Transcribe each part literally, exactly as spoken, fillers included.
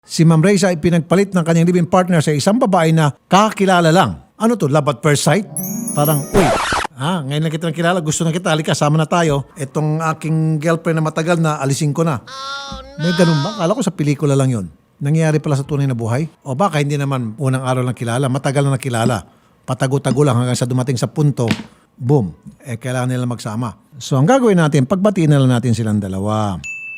Si Ma'am Reza ay pinagpalit ng kanyang living partner sa isang babae na kakilala lang. Ano to, love at first sight? Parang, uy, ah, ngayon lang kita nakilala, gusto na kita, halika, sama na tayo. Itong aking girlfriend na matagal na, alisin ko na. May ganun ba? Kala ko sa pelikula lang yun. Nangyayari pala sa tunay na buhay? O baka hindi naman unang araw lang kilala, matagal na nakilala. Patago-tago lang hanggang sa dumating sa punto, boom, eh kailangan nila magsama. So ang gagawin natin, pagbatiin na lang natin silang dalawa.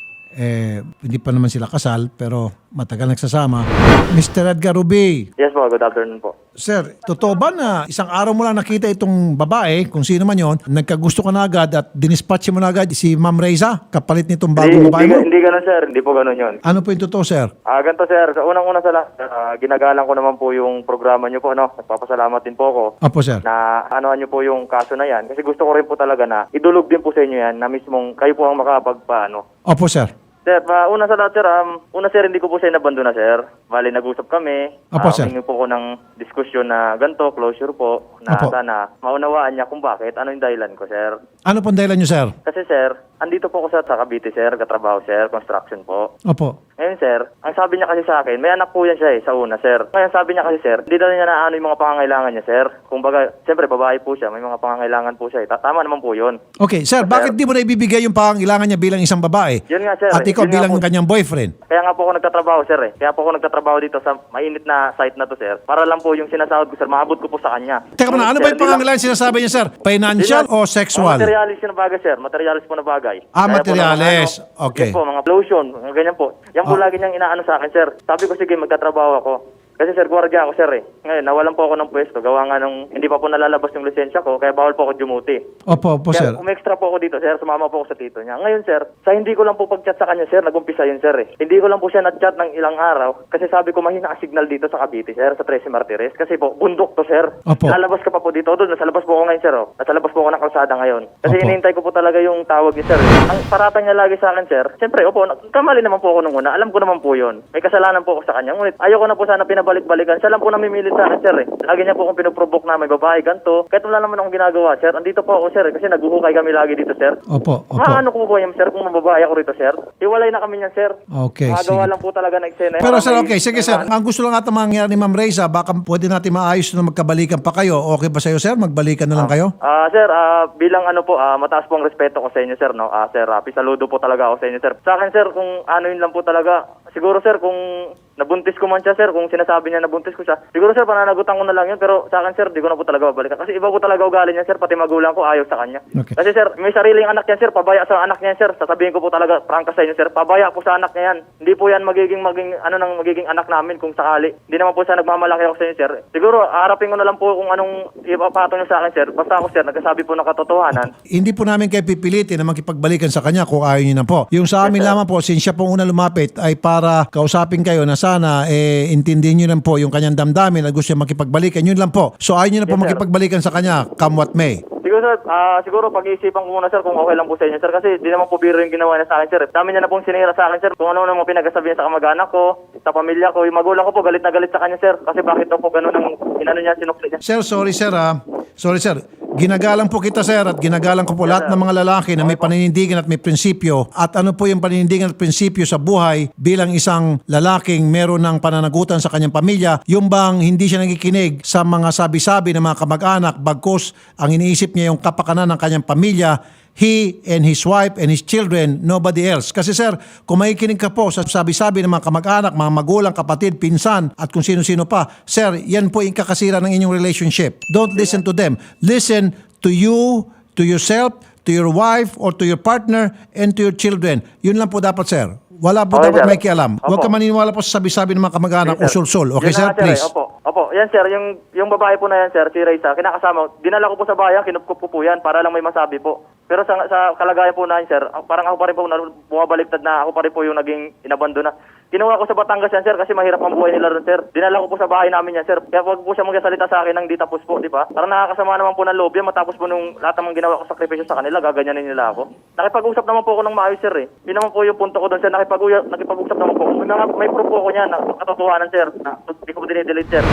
Eh, hindi pa naman sila kasal, pero matagal nagsasama. Mister Edgar Ruby. Yes po, good afternoon po. Sir, totoo ba na isang araw mo lang nakita itong babae, kung sino man yon, nagkagusto ka na agad at dinispatch mo na agad si Ma'am Reza, kapalit nitong bagong Hindi, babae hindi, mo? hindi ganun sir, hindi po ganun yun. Ano po yung totoo, sir? Ah, ganito sir, sa unang-una sa lahat, ah, ginagalang ko naman po yung programa niyo po, no? Nagpapasalamat din po ako. Opo, sir. Na anoan niyo po yung kaso na yan. Kasi gusto ko rin po talaga na idulog din po sa inyo yan na mismong kayo po ang makapagpaano. Opo, sir. Sir, uh, una sa lahat sir, um, una sir, hindi ko po siya nabandona sir. Bali, nag-usap kami. Opo, Ah, sir. humingi po ko ng diskusyon na ganito, closure po, na Opo. sana maunawaan niya kung bakit, ano yung dahilan ko sir. Ano pong dahilan nyo, sir? Kasi sir, andito po ako sa, sa Cavite sir, katrabaho sir, construction po. Opo. Ngayon sir, ang sabi niya kasi sa akin, may anak po yan siya eh, sa una sir. Ngayon sabi niya kasi sir, hindi daw niya na ano yung mga pangangailangan niya sir. Kung baga, siyempre babae po siya, may mga pangangailangan po siya eh. Ta- Tama naman po yun. Okay, sir, bakit di mo na ibibigay yung pangangailangan niya bilang isang babae? Yun nga sir. At ikaw Yun nga bilang po. kanyang boyfriend? Kaya nga po ako nagtatrabaho sir eh. Kaya po ako nagtatrabaho dito sa mainit na site na to sir. Para lang po yung sinasahod ko sir, maabot ko po sa kanya. Teka muna, ano ba yung pangangailangan sinasabi niya, sir? Financial o sexual? Mga materialis na bagay sir, materialis po na bagay. Ah, Kaya po ng mga materialis. ano, Okay. Yun po, mga lotion, mga ganyan po. Yan po Ah. lagi niyang inaano sa akin sir. Sabi ko sige magtatrabaho ako. Kasi sir, gwardiya ako sir eh. Ngayon, nawalan po ako ng pwesto. Gawa nga nung hindi pa po nalalabas yung lisensya ko, kaya bawal po ako dumuti. Opo, opo, sir. Kaya umextra po ako dito, sir. Sumama po ako sa tito niya. Ngayon, sir, sa hindi ko lang po pag-chat sa kanya, sir, nag-umpisa yun, sir, eh. Hindi ko lang po siya nag-chat ng ilang araw kasi sabi ko mahina ang signal dito sa Cavite, sir, sa Trece Martires. Kasi po, bundok to, sir. Opo. Lalabas ka pa po dito. Doon, nasa labas po ako ngayon, sir, oh. Nasa labas po ako ng kalsada ngayon. Kasi Opo. hinihintay ko po talaga yung tawag niya, sir. Ang parata niya lagi sa akin, sir. Siyempre, opo, kamali naman po ako nung una. Alam ko naman po yun. May kasalanan po ako sa kanya. Ngunit ayoko na po sana pinabalik-balikan. Siya lang po namimilit sa akin, sir, eh. Lagi niya po akong pinuprovoke na may babae, ganito. Kahit wala naman akong ginagawa, sir. Andito po ako, sir, eh, kasi naghuhukay kami lagi dito, sir. Opo, opo. Maano ko po yan, sir, kung mababae ako rito, sir? Hiwalay na kami niyan, sir. Okay, Magawa sige. lang po talaga ng eksena. Pero Para sir, may- okay, sige may sir. ano. Ang gusto lang ata mangyari ni Ma'am Reza, baka pwede natin maayos na magkabalikan pa kayo. Okay ba sa'yo, sir? Magbalikan na lang kayo? Ah, sir, ah, bilang ano po, ah, mataas po ang respeto ko sa inyo, sir, no? Ah, sir, ah, pisaludo po talaga ako sa inyo, sir. Sa akin, sir, kung ano yun lang po talaga, siguro, sir, kung nabuntis ko man siya, sir, kung sinasabi niya nabuntis ko siya, siguro, sir, pananagutan ko na lang yun, pero sa akin, sir, di ko na po talaga babalikan. Kasi iba po talaga ugali niya, sir, pati magulang ko ayaw sa kanya. Okay. Kasi, sir, may sariling anak yan, sir, pabaya sa anak niya, sir. Sasabihin ko po talaga, prangka sa inyo, sir, pabaya po sa anak niya yan. Hindi po yan magiging, maging, ano nang magiging anak namin kung sakali. Hindi naman po siya nagmamalaki ako sa inyo, sir. Siguro, harapin ko na lang po kung anong ipapatong niyo sa akin, sir. Basta ako, sir, nagsasabi po ng katotohanan. Hindi po namin kayo pipilitin na makipagbalikan sa kanya kung ayaw niyo na po. Yung sa amin lamang po, since siya pong una lumapit, ay para kausapin kayo na sana eh, intindihin niyo lang po yung kanyang damdamin at gusto niya makipagbalikan. Yun lang po. So ayaw niyo na po Yes, sir. makipagbalikan sa kanya, come what may. Siguro, sir, ah, siguro pag-iisipan ko muna, sir, kung okay lang po sa inyo, sir. Kasi di naman po biro yung ginawa niya sa akin, sir. Dami niya na pong sinira sa akin, sir. Kung ano naman pinagasabi niya sa kamag-anak ko, sa pamilya ko, yung magulang ko po, galit na galit sa kanya, sir. Kasi bakit daw po ganun ang inano niya, sinukli niya. Sir, sorry sir ah. Sorry sir. Ginagalang po kita sir at ginagalang ko po lahat ng mga lalaki na may paninindigan at may prinsipyo. At ano po yung paninindigan at prinsipyo sa buhay bilang isang lalaking meron ng pananagutan sa kanyang pamilya. Yung bang hindi siya nakikinig sa mga sabi-sabi ng mga kamag-anak bagkus ang iniisip niya yung kapakanan ng kanyang pamilya. He and his wife and his children, nobody else. Kasi sir, kung makikinig ka po sa sabi-sabi ng mga kamag-anak, mga magulang, kapatid, pinsan, at kung sino-sino pa, sir, yan po yung kakasira ng inyong relationship. Don't listen to them. Listen to you, to yourself, to your wife, or to your partner, and to your children. Yun lang po dapat, sir. Wala po Okay, dapat sir. may kialam. Huwag Opo. ka maniniwala po sa sabi-sabi ng mga kamag-anak o Yes, sir. sul-sul. Okay, Yun sir? na nga, Please. eh. Opo, opo. Yan, sir. Yung, yung babae po na yan, sir, si Reza, kinakasama. Dinala ko po sa bayan, kinupkup ko po yan para lang may masabi po. Pero sa, sa kalagayan po na yan, sir, parang ako pa rin po, na, bumabaliktad na ako pa rin po yung naging inabandona. Kinuha ko sa Batangas yan, sir, kasi mahirap ang buhay nila ron, sir. Dinala ko po sa bahay namin yan, sir. Kaya wag po siya magsasalita sa akin ng di tapos po, di ba? Parang nakakasama naman po ng loob yan, matapos po nung lahat ng ginawa ko sakripisyo sa kanila, gaganyanin nila ako. Nakipag-usap naman po ako ng maayos, sir, eh. Yun naman po yung punto ko doon, sir. Nakipag- nakipag-usap naman po ako. May, mga- may proof po ako niyan, na katotohanan, sir, na hindi ko po dinidelete, sir.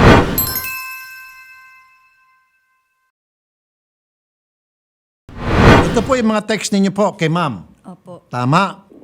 Ito po yung mga text ninyo po kay ma'am. Opo. Tama.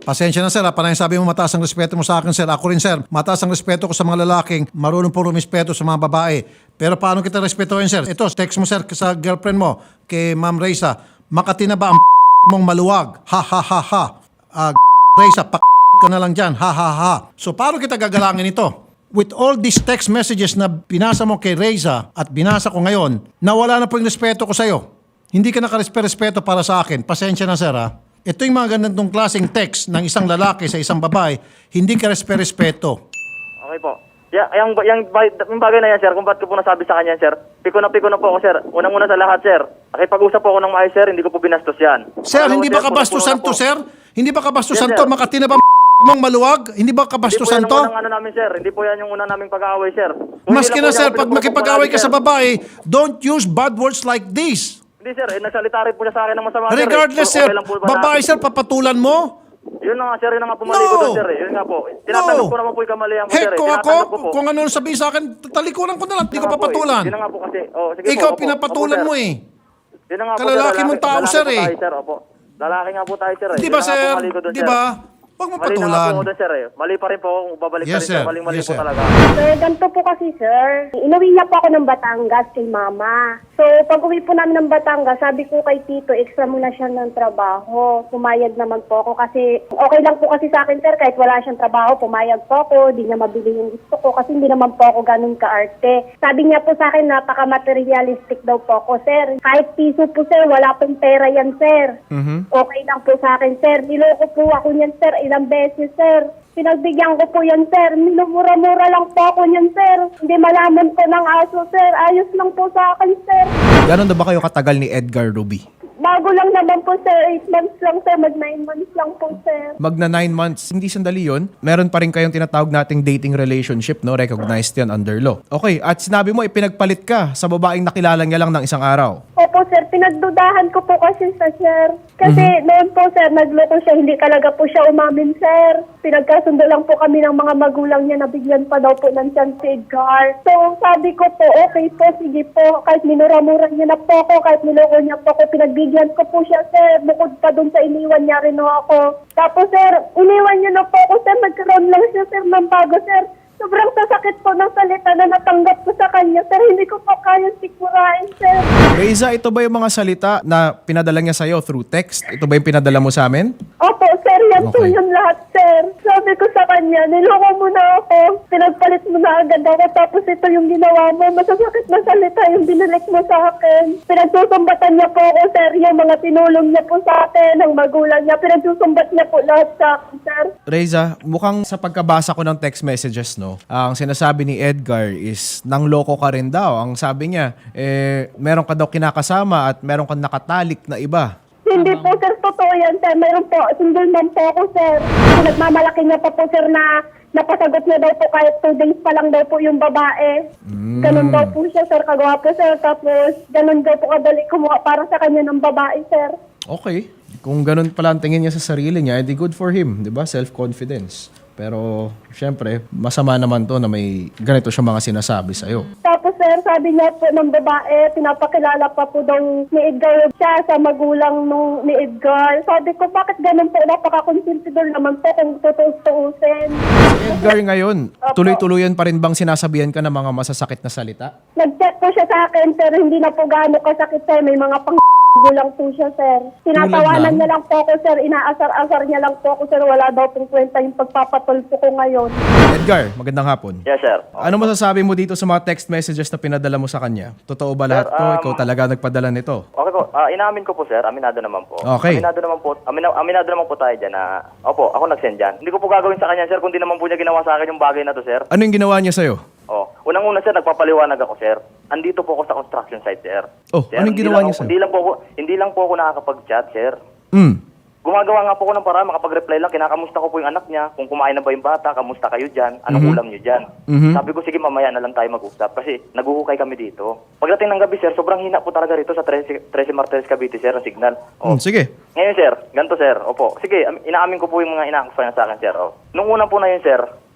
Pasensya na sir, ha? Parang sabi mo mataas ang respeto mo sa akin sir. Ako rin sir, mataas ang respeto ko sa mga lalaking marunong po rumispeto sa mga babae. Pero paano kita respetuhin sir? Ito, text mo sir sa girlfriend mo, kay Ma'am Reza, Makati na ba ang mong maluwag? Ha ha ha ha. Uh, Reza, pak ka na lang dyan. Ha ha ha. So paano kita gagalangin ito? With all these text messages na binasa mo kay Reza at binasa ko ngayon, nawala na po yung respeto ko sa'yo. Hindi ka nakarespeto para sa akin. Pasensya na sir ha. Ito yung mga ganitong klaseng text ng isang lalaki sa isang babae, hindi ka respeto. Okay po. Yeah, yung, yung, yung bagay na yan, sir, kung ba't ko po nasabi sa kanya, sir, piko na piko na po ako, sir. Unang-una sa lahat, sir. Nakipag-usap po ako ng maayos, sir, hindi ko po binastos yan. Sir, Pangalawa, hindi ba sir, kabastusan punong-puno to, na po. sir? Hindi ba kabastusan Yes, to? sir. Makati na ba mong maluwag? Hindi ba Hindi po kabastusan yan to? ang unang ano namin, sir. Hindi po yan yung unang naming pag-aaway, sir. Kung Maski hindi lang na po sir, niya ako pag makipag-away ka sa sir. babae, don't use bad words like this. Hindi, sir. Eh, nagsalita rin po siya sa akin ng masama, sir. Regardless, Eh, sir, okay lang po ba na- babae, sir, papatulan mo? Yun na nga, sir. Yun na nga pumali ko No! doon, sir. Eh. Yun nga po. Tinatanggap No! ko naman po yung kamalian ko, Heck, sir. Eh. kung Tinatanggap ko ako, po. kung ano sabihin sa akin, talikuran ko na lang, hindi ko Yun na nga po, papatulan. eh. Yun na nga po kasi. Oh, sige Ikaw, po, opo. pinapatulan Opo, mo sir. eh. Yun na nga po, Kalalaki sir. mong tao, lalaki sir, po eh. tayo, sir. Opo. Lalaki nga po tayo, sir. Eh. Di Yun ba, na nga po sir? mali ko doon, Di sir. ba? Huwag mo Mali na nga po patulan. ako doon, sir. Eh. Mali pa rin po ako. Babalik Yes, pa rin, sir. sir. Maling-mali Yes, po sir. talaga. Sir, ganito po kasi, sir. Inuwi niya po ako ng Batangas kay mama. So, pag uwi po namin ng Batangas, sabi ko kay Tito, extra muna siya ng trabaho. Pumayag naman po ako kasi okay lang po kasi sa akin, sir, kahit wala siyang trabaho, pumayag po ako, di niya mabili yung gusto ko kasi hindi naman po ako ganun kaarte. Sabi niya po sa akin, napaka-materialistic daw po ako, sir. Kahit piso po, sir, wala pong pera yan, sir. Okay lang po sa akin, sir. Niloko po ako niyan, sir, ilang beses, sir. Pinagbigyan ko po yan, sir. Minumura-mura lang po ako niyan, sir. Hindi malaman ko ng aso, sir. Ayos lang po sa akin, sir. Ganon na ba kayo katagal ni Edgar Ruby? Bago lang naman po, sir. Eight months lang, sir. Mag nine months lang po, sir. Magna nine months. Hindi sandali yun. Meron pa rin kayong tinatawag nating dating relationship, no? Recognized yan under law. Okay, at sinabi mo, ipinagpalit ka sa babaeng nakilala niya lang ng isang araw. Opo, sir. Pinagdudahan ko po kasi sa sir. Kasi noon po, sir, nagloko siya. Hindi talaga po siya umamin, sir. Pinagkasundo lang po kami ng mga magulang niya na bigyan pa daw po ng chance si Edgar. So, sabi ko po, okay po, sige po. Kahit minura-mura niya na po ako, kahit niloko niya po ako, pinagbigyan ko po siya, sir. Bukod pa dun sa iniwan niya rin ako. Tapos, sir, iniwan niya na po ako, sir. Nagkaroon lang siya, sir, ng bago, sir. Sobrang sasakit po ng salita na natanggap ko sa kanya, sir. Hindi ko po kaya sikmurain, sir. Reza, ito ba yung mga salita na pinadala niya sa'yo through text? Ito ba yung pinadala mo sa amin? Opo, sir. Yan po Okay. yun lahat, sir. Sabi ko sa kanya, niloko mo na ako. Pinagpalit mo na agad ako. Tapos ito yung ginawa mo. Masasakit na salita yung binalik mo sa akin. Pinagsusumbatan niya po ako, sir. Yung mga tinulong niya po sa akin, ng magulang niya. Pinagsusumbat niya po lahat sa akin, sir. Reza, mukhang sa pagkabasa ko ng text messages, no? Ang sinasabi ni Edgar is nangloko ka rin daw. Ang sabi niya, eh, meron ka daw kinakasama at meron kang nakatalik na iba. Hindi po, sir. Totoo yan, sir. Mayroon po. Single man po ako, sir. Nagmamalaki niya pa po, sir, na napasagot niya daw po kahit two days pa lang daw po yung babae. Ganun daw po siya, sir. Kagawa po, sir. Tapos, ganun daw po kadali kumuha para sa kanya ng babae, sir. Okay. Kung ganun pala ang tingin niya sa sarili niya, edi good for him, di ba? Self-confidence. Pero, syempre, masama naman to na may ganito siya mga sinasabi sa'yo. Tapos, sir, sabi niya po ng babae, pinapakilala pa po daw ni Edgar siya sa magulang nung ni Edgar. Sabi ko, bakit ganun po? Napaka-consentidor naman po kung tutuus-tuusin. Si Edgar ngayon, tuloy-tuloyan pa rin bang sinasabihan ka ng mga masasakit na salita? Nag-chat po siya sa akin, sir. Hindi na po gaano kasakit, sir. May mga pang lang po siya, sir. Tinatawanan lang? niya lang po ako, sir. Inaasar-asar niya lang po ako, sir. Wala daw pong kwenta yung pagpapatulpo ko ngayon. Edgar, magandang hapon. Yes, sir. Ano masasabi mo dito sa mga text messages na pinadala mo sa kanya? Totoo ba lahat to? um, Ikaw talaga nagpadala nito? Okay po. Ah, inamin ko po, sir. Aminado naman po. Okay. Aminado naman po. Amina, aminado naman po tayo dyan na, opo, ako nag-send dyan. Hindi ko po gagawin sa kanya, sir, kung di naman po niya ginawa sa akin yung bagay na to, sir. Ano yung ginawa niya sa'yo? Oh, unang-una, sir, nagpapaliwanag ako, sir. Andito po ako sa construction site, sir. Oh, Sir, anong hindi ginawa lang niya ako- sa'yo? Hindi lang po ako, hindi lang po ako nakakapag-chat, sir. Hmm. Gumagawa nga po ako ng paraan, makapag-reply lang, kinakamusta ko po yung anak niya, kung kumain na ba yung bata, kamusta kayo dyan, anong Mhm. ulam niyo dyan. Mhm. Sabi ko, sige, mamaya na lang tayo mag-usap kasi naguhukay kami dito. Pagdating ng gabi, sir, sobrang hina po talaga rito sa Trece Martires Cavite, sir, ang signal. Oh. Hmm, sige. Ngayon, sir, ganito, sir. Opo. Sige, am- inaamin ko po yung mga inaakusayan sa akin, sir. Oh. Nung una po na yun, sir,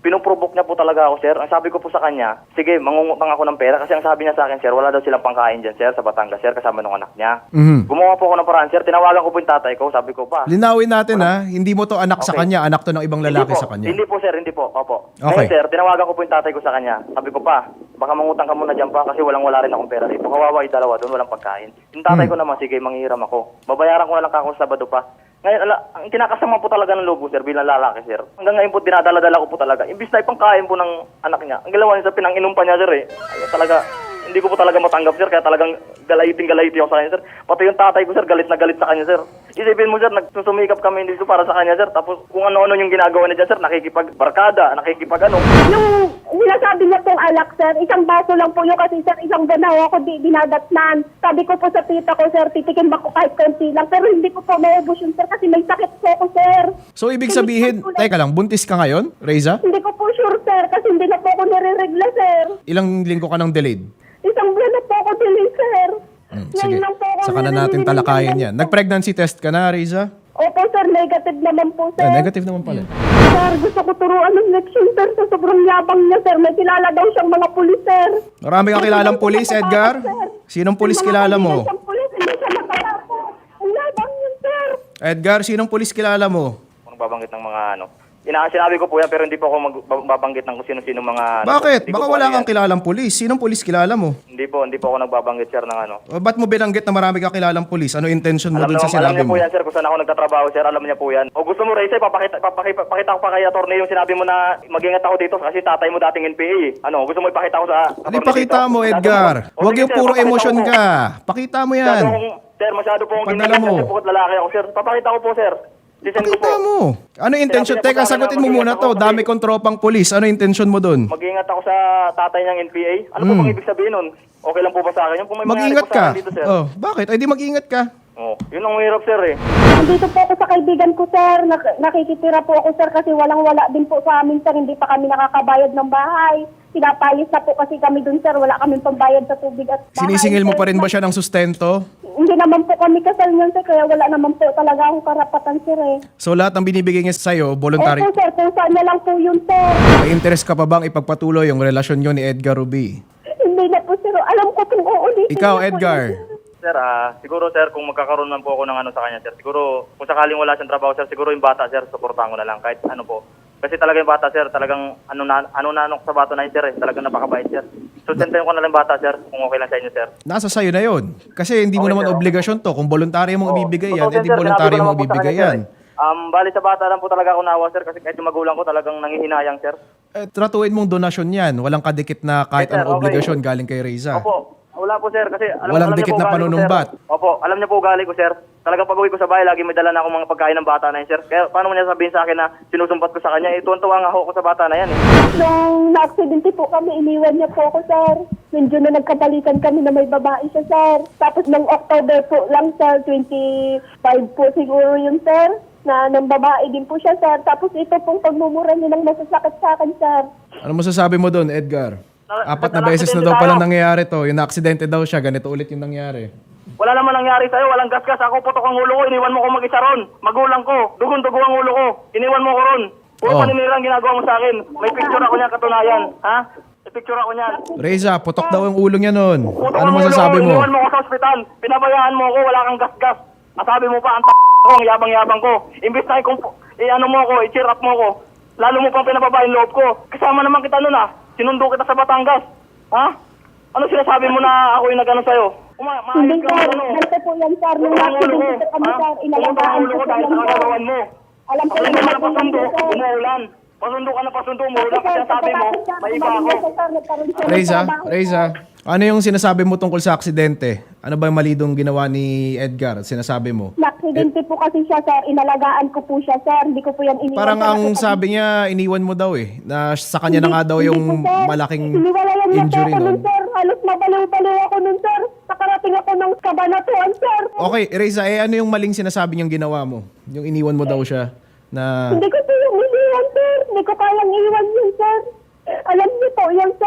Pinuprovoke niya po talaga ako, sir. Ang sabi ko po sa kanya, sige, mangungutang ako ng pera kasi ang sabi niya sa akin, sir, wala daw silang pangkain dyan, sir, sa Batangas, sir, kasama ng anak niya. Mhm. Gumawa po ako ng paraan, sir. Tinawagan ko po yung tatay ko. Sabi ko pa. Linawin natin ha, hindi mo to anak sa Okay. kanya, anak to ng ibang lalaki hindi po, sa kanya. Hindi po, sir. Hindi po. Opo. Okay. Ngayon, sir, tinawagan ko po yung tatay ko sa kanya. Sabi ko pa, baka mangutang ka muna dyan pa kasi walang-wala rin akong pera dito. Kawawa yung dalawa doon, walang pagkain. Yung tatay Hmm. ko naman, sige, manghiram ako. Babayaran ko na lang kako sa Sabado pa. Ngayon, ala, ang kinakasama po talaga ng lobo, sir, bilang lalaki, sir. Hanggang ngayon po, dinadala-dala ko po talaga. Imbis na ipangkain po ng anak niya. Ang galawan niya, sir, pinang-inom pa niya, sir, eh. Ay, talaga, hindi ko po talaga matanggap, sir, kaya talagang galayiting-galayiti ako sa kanya, sir. Pati yung tatay ko, sir, galit na galit sa kanya, sir. Isipin mo, sir, nagsusumikap kami dito para sa kanya, sir. Tapos kung ano-ano yung ginagawa niya dyan, sir, nakikipag-barkada, nakikipag-ano. Yung sinasabi niya pong alak, sir, isang baso lang po yun kasi, sir, isang ganaw ako di dinadatnan. Sabi ko po sa tita ko, sir, titikin ba ko kahit konti lang. Pero hindi ko po maubos yun, sir, kasi may sakit po ako, sir. So ibig sabihin, teka lang, buntis ka ngayon, Reza? Hindi ko po sure, sir, kasi hindi na po ako nire-regla, sir. Ilang linggo ka ng delayed? Isang buwan na po ako delay, sir. Hmm, Ngayon sige, lang po ako saka na natin nire-regla. talakayin yan. Nag-pregnancy test ka na, Reza? Opo, sir, negative naman po, sir. Ah, negative naman pala. Sir, gusto ko turuan ng leksyon, sir, sa sobrang yabang niya, sir. May kilala daw siyang mga pulis, sir. Marami kang kilalang pulis, Edgar? Sinong pulis May mga kilala mo? kaibigan siyang pulis, hindi siya nakatapo. Ang yabang niya, sir. Edgar, sinong pulis kilala mo? Kung babanggit ng mga ano. Ina sinabi ko po yan pero hindi po ako magbabanggit ng kung sino-sino mga... Bakit? Hindi ko Baka po wala ano kang yan. kilalang pulis. Sinong pulis kilala mo? Hindi po, hindi po ako nagbabanggit, sir, ng ano. O, ba't mo binanggit na marami kang kilalang pulis? Ano intention mo Alam, dun sa naman, alam sinabi niya mo? po yan, sir, kung saan ako nagtatrabaho, sir. Alam niya po yan. O gusto mo, Reza, papakita, papakita, papakita ko pa kay attorney yung sinabi mo na mag-ingat ako dito kasi tatay mo dating N P A. eh. Ano, gusto mo ipakita ko sa... Hindi, attorney pakita dito? mo, Masyado Edgar. po- O, Huwag sige, yung sir, puro papakita emosyon ko po. ka. Pakita mo Masyado yan. akong- Sir, masyado po akong Padala ginigil mo. kasi bukod lalaki ako, sir. Papakita ko po, sir. Sisend ko po. Pakita mo. Ano yung intention? Sinabi niya po Teka, sa akin sagutin na mo muna mag-ingat to. ako Dami kasi- kong tropang pulis. Ano yung intention mo dun? Mag-ingat ako sa tatay niyang N P A. Ano Hmm. po bang ibig sabihin nun? Okay lang po ba sa akin? Yung kung may mangyari Mag-ingat po sa ka. akin dito, sir. Oh, bakit? Ay, di mag-ingat ka. Oh, yun ang hirap, sir, eh. Nandito po ako sa kaibigan ko, sir. Nak- nakikitira po ako, sir, kasi walang-wala din po sa amin, sir. Hindi pa kami nakakabayad ng bahay. Pinapayos na po kasi kami dun, sir. Wala kaming pambayad sa tubig at bahay. Sinisingil mo sir. pa rin ba siya ng sustento? Hindi naman po kami kasal niyan, sir. Kaya wala naman po talaga akong karapatan, sir, eh. So lahat ng binibigay niya sa'yo, voluntary. Opo, sir. Kung saan niya lang po yun, sir. May interest ka pa bang ipagpatuloy yung relasyon nyo ni Edgar Ruby? Hindi na po, sir. Alam ko kung uulitin Ikaw, niya po Edgar. yun, sir. Sir, ah, siguro, sir, kung magkakaroon man po ako ng ano sa kanya, sir, siguro, kung sakaling wala siyang trabaho, sir, siguro yung bata, sir, suportahan ko na lang, kahit ano po. Kasi talaga yung bata, sir, talagang ano na, ano na ano sa bata na yun, sir, eh, talagang napakabait, sir. Sustentuhin ko na lang yung bata, sir, kung okay lang sa inyo, sir. Nasa sayo na yon. Kasi hindi mo Okay, naman sir. obligasyon to. Kung voluntaryo mong Oo. ibibigay yan, Totoo, edi sir, voluntaryo sinabi ko mong naman po sa ibibigay kanya, yan. sir, eh. Um, bali sa bata lang po talaga ako naawa, sir, kasi kahit yung magulang ko talagang nangihinayang, sir. Eh, tratuin mong donasyon yan. Walang kadikit na kahit Yes, sir, anong okay. obligasyon galing kay Reza. Opo. Wala po, sir, kasi alam, Walang alam niyo dikit po na ugali ko, panunumbat. sir. Opo, alam niyo po ugali ko, sir. Talagang pag-uwi ko sa bahay, lagi may dala na akong mga pagkain ng bata na yun, sir. Kaya paano mo niya sabihin sa akin na sinusumpat ko sa kanya? Eh, tuwan-tuwa nga ako sa bata na yan, eh. Nung na-accidente po kami, iniwan niya po ako, sir. Medyo na nagkabalikan kami na may babae siya, sir. Tapos nung October po lang, sir, twenty-five po siguro yun, sir. Na ng babae din po siya, sir. Tapos ito pong pagmumura niya ng masasakit sa akin, sir. Ano masasabi mo doon, Edgar? Na- Apat na na- beses na na-aksidente daw pala tayo. nangyayari to. Yung na-aksidente daw siya, ganito ulit yung nangyari. Wala naman nangyari sa'yo, walang gasgas. Ako putok ang ulo ko, iniwan mo ko mag-isa ron. Magulang ko, dugon-dugo ang ulo ko. Iniwan mo ko ron. Puro Oh. paninira ang ginagawa mo sa akin. May picture ako niyan, katunayan. Ha? May picture ako niyan. Reza, putok daw yung ulo niya noon. Putok Ano ang ulo masasabi ko, mo? iniwan mo ko sa ospital. Pinabayaan mo ko, wala kang gasgas. Masabi mo pa, ang t*** ko, ang yabang-yabang ko. Imbis na ikong, i-ano mo ko, i-cheer up mo ko. Lalo mo pang pinababa yung loob ko. Kasama naman kita nun ah. Sinundo kita sa Batangas. Ha? Ano sinasabi mo na ako yung nag-ano sa'yo? Uma, Hindi, maayos ka sir. ano? Ganito po yan, sir. Nung Putok ang ulo ko. na-accidente po kami, Ha? sir, Putok inalagaan ang ulo ko ko po dahil yan, sa sir. kagagawan mo. Alam ko Ako naman naman po ang pasundo, yan, sir. umuulan. Pasundo ka na pasundo, umuulan. Sir, Kasi ang sabi mo, pagkatapos, sir, may iba umalis ako. na, sir, nagkaroon siya ng Reza, trabaho, Reza, sir. ano yung sinasabi mo tungkol sa aksidente? Ano ba yung mali dong ginawa ni Edgar? Sinasabi mo? Na-accidente po kasi siya, sir. Inalagaan ko po siya, sir. Hindi ko po yan iniwan. Parang sir, ang kasi- sabi niya, iniwan mo daw eh. Na sa kanya na nga daw Hindi- yung hindi po, sir. malaking Iniwalayan niya po injury ako nun, nun. sir. Halos mabaliw-baliw ako nun, sir. Nakarating ako ng kabanatuan, sir. Okay, Reza, eh ano yung maling sinasabi niyang ginawa mo? Yung iniwan mo daw siya na... Hindi ko po yung iniwan, sir. Hindi ko kayang iwan yun, sir. Alam niyo po yan, sir.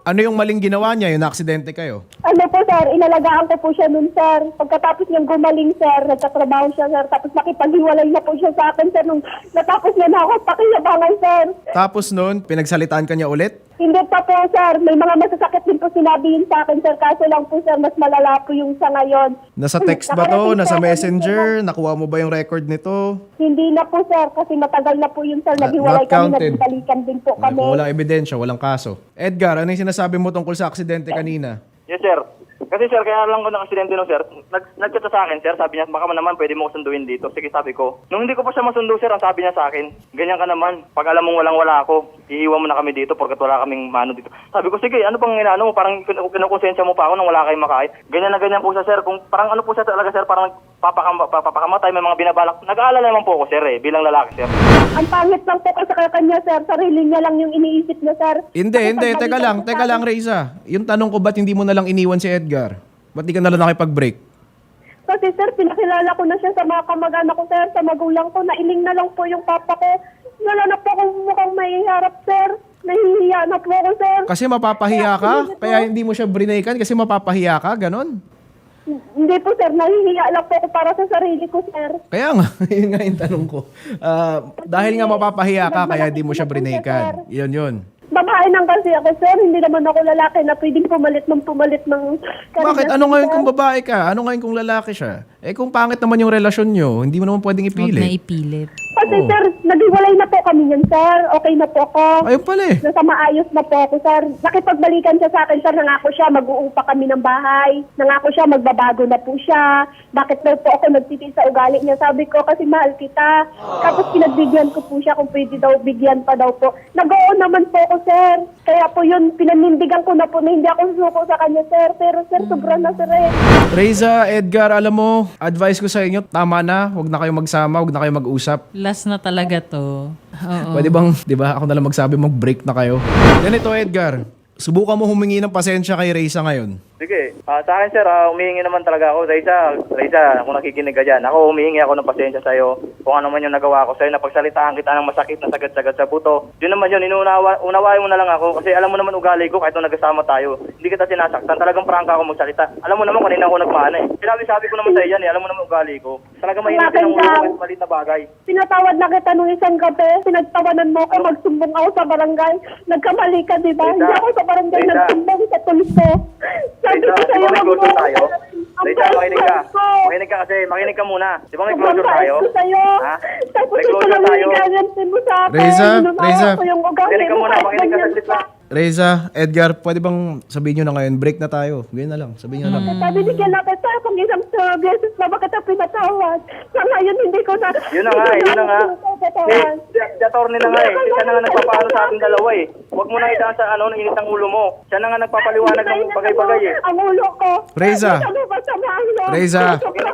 Ano yung maling ginawa niya? Yung na-aksidente kayo? Ano po, sir, inalagaan ko po siya nun, sir. Pagkatapos niyang gumaling, sir, nagtatrabaho siya, sir. Tapos nakipaghiwalay na po siya sa akin, sir, nung natapos niya na ako pakiyabangan, sir. Tapos noon, pinagsalitaan ka niya ulit? Hindi pa po, sir. May mga masasakit din po sinabihin sa akin, sir. Kaso lang po, sir, mas malala po yung sa ngayon. Nasa text ba to? Nasa messenger? Nakuha mo ba yung record nito? Hindi na po, sir. Kasi matagal na po yun, sir. Not- Naghiwalay not kami, counted. nagbalikan din po kami. Kung walang ebidensya, walang kaso. Edgar, ano yung sinasabi mo tungkol sa aksidente kanina? Yes, sir. Kasi sir, kaya lang ko ng aksidente no, sir. Nag nagchat sa akin, sir. Sabi niya, baka man naman pwede mo ko sunduin dito. Sige, sabi ko. Nung hindi ko pa siya masundo, sir, ang sabi niya sa akin, ganyan ka naman. Pag alam mong walang-wala ako, iiwan mo na kami dito porkat wala kaming mano dito. Sabi ko, sige, ano bang inaano mo? Parang kin- kinukonsensya mo pa ako nang wala kayong makain. Ganyan na ganyan po siya, sir. Kung parang ano po siya talaga, sir, parang papakam papakamatay, may mga binabalak. Nag-aalala naman po ako, sir, eh, bilang lalaki, sir. Ang pangit lang po kasi kaya kanya, sir. Sarili niya lang yung iniisip niya, sir. Hindi, Kasi hindi. pagbalikan Teka lang, ko teka sa- lang, Reza. Yung tanong ko, ba't hindi mo na lang iniwan si Edgar? Ba't di ka na lang nakipag-break? Kasi sir, pinakilala ko na siya sa mga kamag-anak ko, sir, sa magulang ko. Nailing na lang po yung papa ko. Wala na po akong mukhang mahiharap, sir. Nahihiya na po ako, sir. Kasi mapapahiya ka? Kaya hindi mo siya brinaykan kasi mapapahiya ka? Ganon? Hindi po, sir. Nahihiya lang po ako para sa sarili ko, sir. Kaya nga, yun nga yung tanong ko. Ah, dahil nga mapapahiya ka, kaya hindi mo siya brinaykan. Yun yun. Babae nang kasi ako, sir. Hindi naman ako lalaki na pwedeng pumalit ng pumalit ng... Bakit? Ano ngayon kung sir? babae ka? Ano ngayon kung lalaki siya? Eh kung pangit naman yung relasyon nyo, hindi mo naman pwedeng Huwag na ipilit. ipilit. Kasi, Oo. sir, naghiwalay na po kami yan, sir. Okay na po ako. Ayun pala eh. Nasa maayos na po ako, sir. Nakipagbalikan siya sa akin, sir. Nangako siya, mag-uupa kami ng bahay. Nangako siya, magbabago na po siya. Bakit daw po ako nagtitiis sa ugali niya? Sabi ko, kasi mahal kita. Tapos pinagbigyan ko po siya kung pwede daw, bigyan pa daw po. Nag-oo naman po ako, sir. Kaya po yun, pinanindigan ko na po na hindi ako susuko sa kanya, sir. Pero, sir, sobra na, sir, eh. Reza, Edgar, alam mo, advice ko sa inyo, tama na. Huwag na kayo magsama, huwag na kayo mag-usap. Last na talaga to. Oo. Pwede bang, di ba, ako na lang magsabi, mag-break na kayo. Ganito, Edgar. Subukan mo humingi ng pasensya kay Reza ngayon. Sige. Ah, sa akin, sir, ah, humihingi naman talaga ako. Reza, Reza, kung nakikinig ka dyan, ako humihingi ako ng pasensya sa'yo. Kung ano man yung nagawa ko sa'yo, napagsalitaan kita ng masakit na sagad-sagad sa buto. Yun naman yun, inuunawa, unawain mo na lang ako. Kasi alam mo naman ugali ko kahit nung nagkasama tayo. Hindi kita sinasaktan. Talagang prangka ako magsalita. Alam mo naman kanina ako nagmana eh. Sinabi-sabi ko naman sa'yo yan eh. Alam mo naman ugali ko. Talagang mahirap din ang ulo ko kahit malit na bagay. Pinatawad na kita nung isang gabi. Pinagtawanan mo ako, magsumbong ako sa barangay. Nagkamali ka, di ba? Reza, Hindi ako sa barangay Reza. nagsumbong sa tulis ko. Sabi Reza, ko di sa'yo, ba may wag closure mo- tayo? Ang Reza, makinig ka. bait ko. Makinig ka kasi. Makinig ka muna. Di ba may Sobrang closure bait tayo? ko sa'yo. Ha? Tapos May ito closure lang tayo. yung gagantin mo sa akin. Reza, Inunawa Reza. ko yung ugali Makinig ka mo muna. kahit Makinig ka ganyan saglit ka. lang. Reza, Edgar, pwede bang sabihin nyo na ngayon, break na tayo. Ganyan na lang, sabihin nyo na lang. Sabi ni Kelate, sir, kung isang uh, beses na ba kita pinatawad? Sa ngayon, hindi ko na... Yun na nga, yun na nga. Pinatawad. Eh, si attorney na nga eh. Siya na nga nagpapaano sa ating dalawa eh. Huwag mo na idaan sa ano, ng init ng ulo mo. Siya na nga nagpapaliwanag ng bagay-bagay eh. Ang ulo ko. Reza. Ano ba sa mga Reza.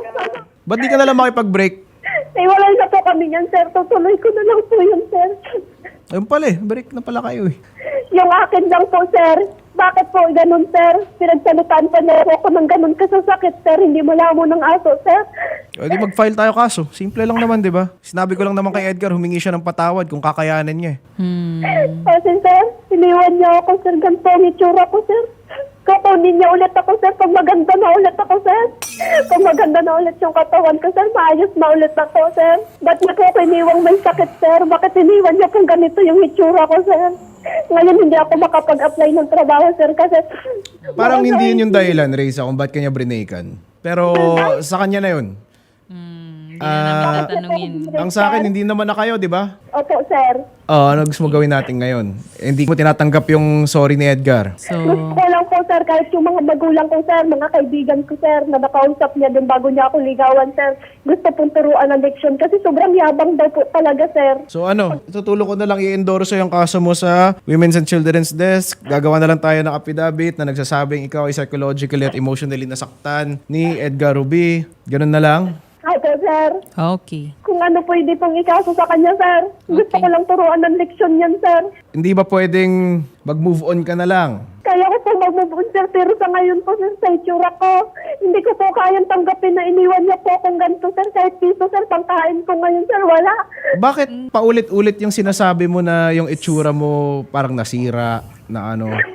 Ba't di ka na lang makipag-break? Eh, wala na po kami yan, sir. Tutuloy ko na lang po yun, sir. Ayun pala eh, break na pala kayo eh. Yung akin lang po, sir. Bakit po ganun, sir? Pinagsalutan pa na ako ng ganun kasasakit, sir. Hindi mo mo ng aso, sir. O di mag-file tayo kaso. Simple lang naman, di ba? Sinabi ko lang naman kay Edgar, humingi siya ng patawad kung kakayanin niya eh. Hmm. Kasi, sir, iniwan niya ako, sir. Ganito ang itsura ko, sir. Kukunin niya ulit ako, sir. Pag maganda na ulit ako, sir. Pag maganda na ulit yung katawan ko, sir, maayos na ulit ako, sir. Ba't niya ko iniwang may sakit, sir? Bakit iniwan niya kung ganito yung itsura ko, sir? Ngayon, hindi ako makapag-apply ng trabaho, sir, kasi... Parang hindi yun yung dahilan, Reza, kung ba't kanya brinaykan. Pero sa kanya na yun. Hmm. Hindi na Ah, namin tatanungin. Ang sa akin, hindi naman na kayo, di ba? Opo, sir. Oh, ano gusto mo gawin natin ngayon? Eh, hindi mo tinatanggap yung sorry ni Edgar. So, Gusto ko lang po, sir, kahit yung mga magulang ko, sir, mga kaibigan ko, sir, na nakausap niya dun bago niya ako ligawan, sir. Gusto pong turuan ng leksyon kasi sobrang yabang daw po talaga, sir. So ano, tutulong ko na lang i-endorse yung kaso mo sa Women's and Children's Desk. Gagawa na lang tayo ng affidavit na nagsasabing ikaw ay psychologically at emotionally nasaktan ni Edgar Ruby. Ganun na lang. Opo, sir. okay. Kung ano pwede pong ikaso sa kanya, sir. Gusto Okay. ko lang turuan ng leksyon yan, sir. Hindi ba pwedeng mag-move on ka na lang? Kaya ko po mag-move sir, pero sa ngayon po, sir, sa itsura ko, hindi ko po kayang tanggapin na iniwan niya po akong ganito, sir. Kahit piso, sir, pangkain ko ngayon, sir, wala. Bakit paulit-ulit yung sinasabi mo na yung itsura mo parang nasira na ano?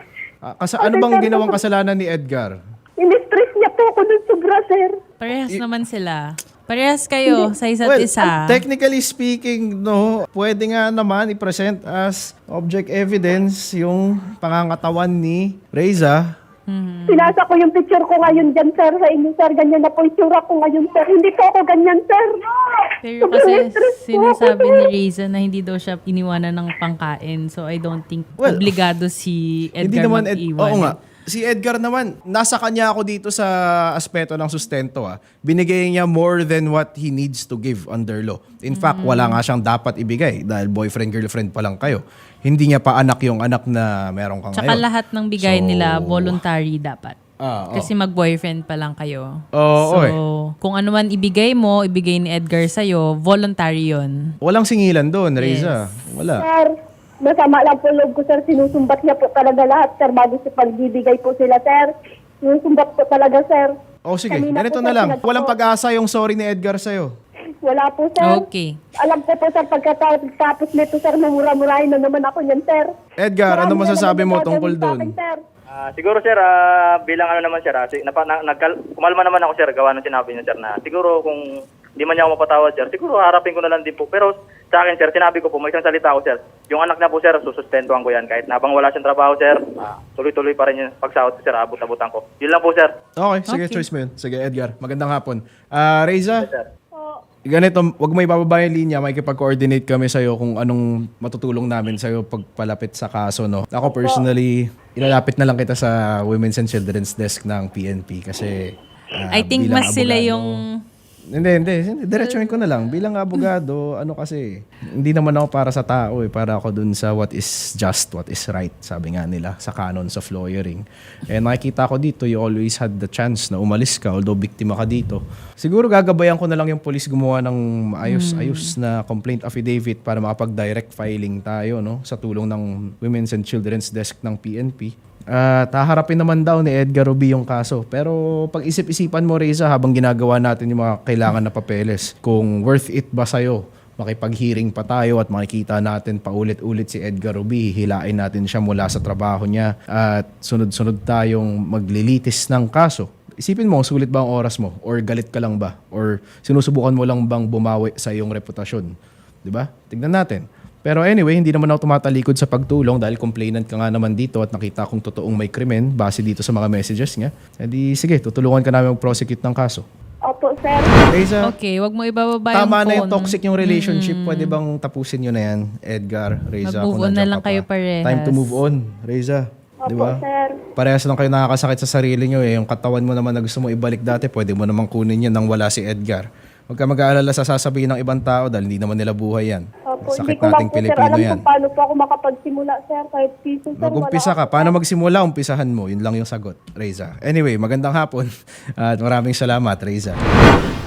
Ah, Kasi ano bang ginawang kasalanan ni Edgar? In-stress niya po ako ng sobra, sir. Parehas naman sila. Parehas kayo sa isa't Well, isa. technically speaking, no, pwede nga naman i-present as object evidence yung pangangatawan ni Reza. Pinasa ko yung picture ko ngayon dyan, sir, sa inyo, sir. Ganyan na po yung tsura ko ngayon, sir. Hindi po ako ganyan, sir. Pero Sobrang kasi stress po ako, sinasabi sir. ni Reza na hindi daw siya iniwanan ng pangkain. So I don't think Well, obligado si Edgar Hindi naman, Ed, mag-iwan. oo nga. Si Edgar naman, nasa kanya ako dito sa aspeto ng sustento. Ah. Binigay niya more than what he needs to give under law. In fact, wala nga siyang dapat ibigay dahil boyfriend-girlfriend pa lang kayo. Hindi niya pa anak yung anak na meron kang Tsaka ngayon. lahat ng bigay So, nila voluntary dapat. Ah, oo. Kasi mag-boyfriend pa lang kayo. Oo, so, oy. kung ano man ibigay mo, ibigay ni Edgar sa'yo, voluntary yon. Walang singilan doon, Reza. Wala. Sir, masama lang po loob ko, sir. Sinusumbat niya po talaga lahat, sir, bago sa pagbibigay po sila, sir. Sinusumbat po talaga, sir. O sige, Kanina ganito po, na sir, lang. pinag- Walang pag-asa yung sorry ni Edgar sa'yo. Wala po, sir. Okay. Alam ko po, sir, pagkatapos nito, sir, mamura-murahin na naman ako niyan, sir. Edgar, ano Marami na masasabi naman mo gagawin tungkol sa doon? akin, sir. Ah, siguro sir, ah, bilang ano naman sir, ah, si, napa, na, nagkal, kumalma naman ako sir, gawa ng sinabi niya sir na siguro kung hindi man niya ako mapatawad sir, siguro harapin ko na lang din po. Pero sa akin sir, sinabi ko po, may isang salita ko sir, yung anak na po sir, sususpendohan ko yan. Kahit nabang wala siyang trabaho sir, ah, tuloy-tuloy pa rin yung pagsahod ko sir, abot-abutan ko. Yun lang po sir. Okay, sige, Okay. choice mo yun. Sige, Edgar. Magandang hapon. Ah, Reza, Sir. ganito, wag mo ibababa yung linya, makikipag-coordinate kami sa'yo kung anong matutulong namin sa'yo pagpalapit sa kaso, no? Ako personally, ilalapit na lang kita sa Women's and Children's Desk ng P N P kasi ah, I think bilang mas sila abogado- yung... Hindi, hindi. hindi. Diretsuhin ko na lang. Bilang abogado, ano kasi, hindi naman ako para sa tao eh. Para ako dun sa what is just, what is right. Sabi nga nila, sa canons of lawyering. And nakikita ko dito, you always had the chance na umalis ka, although biktima ka dito. Siguro gagabayan ko na lang yung police gumawa ng ayos-ayos na complaint affidavit para makapag-direct filing tayo, no? Sa tulong ng Women's and Children's Desk ng P N P. At haharapin naman daw ni Edgar Ruby yung kaso. Pero pag isip-isipan mo, Reza, habang ginagawa natin yung mga kailangan na papeles, kung worth it ba sa'yo, makipag-hearing pa tayo at makikita natin paulit-ulit si Edgar Ruby, hilain natin siya mula sa trabaho niya at sunod-sunod tayong maglilitis ng kaso. Isipin mo, sulit ba ang oras mo? Or galit ka lang ba? Or sinusubukan mo lang bang bumawi sa iyong reputasyon? Di ba? Tignan natin. Pero anyway, hindi naman ako tumatalikod sa pagtulong dahil complainant ka nga naman dito at nakita kong totoong may krimen base dito sa mga messages niya. E di, sige, tutulungan ka namin mag-prosecute ng kaso. Opo, sir. Reza, Okay, wag mo ibababa yung tama na yung phone. toxic yung relationship. Pwede bang tapusin nyo na yan, Edgar, Reza? Mag-move kung on na nandiyan lang ka pa? kayo parehas. Time to move on, Reza. Opo, Di ba? sir. Parehas lang kayo nakakasakit sa sarili nyo eh. Yung katawan mo naman na gusto mo ibalik dati, pwede mo naman kunin yan nang wala si Edgar. Huwag ka mag-aalala sa sasabihin ng ibang tao dahil hindi naman nila buhay yan. Opo, Sakit hindi ko lang nating po, sir, Pilipino alam yan. kung paano po ako makapagsimula, sir. Kahit piso, sir. Mag-umpisa wala ka. Paano magsimula? Umpisahan mo. Yun lang yung sagot, Reza. Anyway, magandang hapon. At maraming salamat, Reza.